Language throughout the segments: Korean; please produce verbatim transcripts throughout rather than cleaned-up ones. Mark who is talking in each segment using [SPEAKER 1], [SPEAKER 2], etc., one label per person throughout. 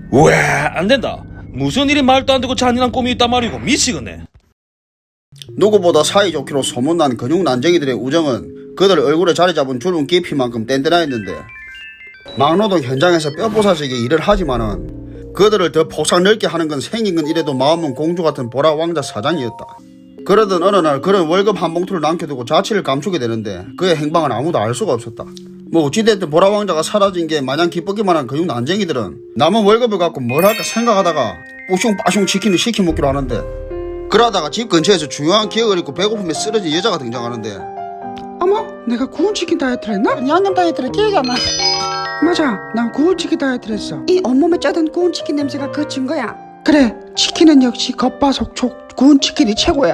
[SPEAKER 1] 왜 안된다. 무슨 일이 말도 안되고 잔인한 꿈이 있단 말이고 미치겠네.
[SPEAKER 2] 누구보다 사이좋기로 소문난 근육 난쟁이들의 우정은 그들 얼굴에 자리 잡은 주름 깊이만큼 뗀뗀하였는데, 막노동 현장에서 뼈부사지게 일을 하지만은 그들을 더 폭삭 넓게 하는 건 생긴 건 이래도 마음은 공주 같은 보라 왕자 사장이었다. 그러던 어느 날 그런 월급 한 봉투를 남겨두고 자취를 감추게 되는데 그의 행방은 아무도 알 수가 없었다. 뭐 어찌됐든 보라 왕자가 사라진 게 마냥 기쁘기만 한 근육 난쟁이들은 남은 월급을 갖고 뭘 할까 생각하다가 뿌숑빠숑 치킨을 시켜 먹기로 하는데, 그러다가 집 근처에서 중요한 기억을 잃고 배고픔에 쓰러진 여자가 등장하는데,
[SPEAKER 3] 어머, 내가 구운 치킨 다이어트를 했나? 양념 다이어트를 기억이 안 나. 맞아, 난 구운 치킨 다이어트를 했어. 이 온몸에 쩌든 구운 치킨 냄새가 그 증거야. 그래, 치킨은 역시 겉바속촉 구운 치킨이 최고야.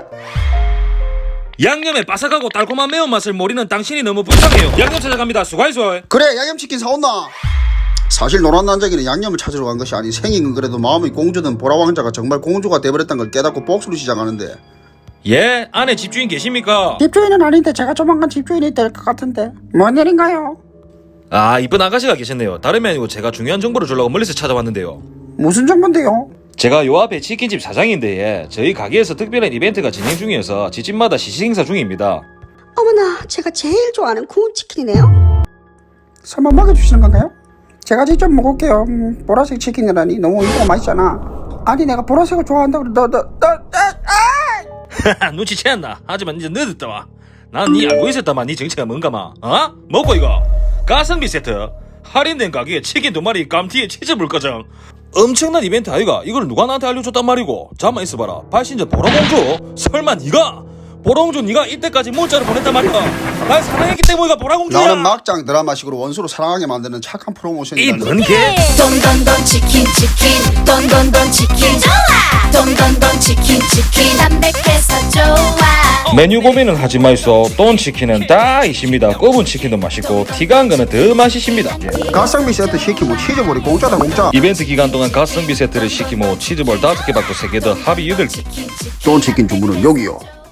[SPEAKER 1] 양념의 바삭하고 달콤한 매운맛을 모르는 당신이 너무 불쌍해요. 양념 찾아갑니다. 수고하이소.
[SPEAKER 2] 그래 양념치킨 사온나? 사실 노란 난쟁이는 양념을 찾으러 간 것이 아닌 생긴 건 그래도 마음이 공주든 보라 왕자가 정말 공주가 돼버렸다는 걸 깨닫고 복수를 시작하는데,
[SPEAKER 1] 예, 안에 집주인 계십니까?
[SPEAKER 3] 집주인은 아닌데 제가 조만간 집주인이 될 것 같은데 뭔 일인가요?
[SPEAKER 1] 아, 이쁜 아가씨가 계셨네요. 다름이 아니고 제가 중요한 정보를 주려고 멀리서 찾아왔는데요.
[SPEAKER 3] 무슨 정보인데요?
[SPEAKER 1] 제가 요 앞에 치킨집 사장인데, 예, 저희 가게에서 특별한 이벤트가 진행 중이어서 집집마다 시식행사 중입니다.
[SPEAKER 4] 어머나, 제가 제일 좋아하는 구운 치킨이네요.
[SPEAKER 3] 설마 먹여주시는 건가요? 제가 직접 먹을게요. 음, 보라색 치킨이라니 너무 이거 맛있잖아. 아니 내가 보라색을 좋아한다고 너 너 너 아!
[SPEAKER 1] 눈치채었나? 하지만 이제 늦었다 와. 난 니 알고 있었다만 니 정체가 뭔가마. 어? 먹고 이거 가성비 세트 할인된 가격에 치킨 두 마리 감튀에 치즈 물가정 엄청난 이벤트 아이가. 이걸 누가 나한테 알려줬단 말이고. 잠만 있어봐라. 발신자 보라공주? 설마 니가? 보라공주 니가 이때까지 문자를 보냈단 말이야. 날 사랑했기 때문이가 보라공주야.
[SPEAKER 2] 나는 막장 드라마식으로 원수로 사랑하게 만드는 착한 프로모션이다.
[SPEAKER 1] 이뭔 개?
[SPEAKER 5] 돈돈돈 치킨 치킨 돈돈돈 치킨 좋아 돈돈돈 치킨 치킨 담백해서 좋아.
[SPEAKER 1] 메뉴 고민은 하지 마이소. 돈 치킨은 다 있습니다. 굽은 치킨도 맛있고 티가 한 거는 더 맛있습니다.
[SPEAKER 2] 가성비 세트 시키면 치즈볼이 공짜다 공짜.
[SPEAKER 1] 이벤트 기간 동안 가성비 세트를 시키고 치즈볼 다섯 개 받고 세 개 더 합의 여덟 개.
[SPEAKER 2] 돈 치킨 주문은 여기요.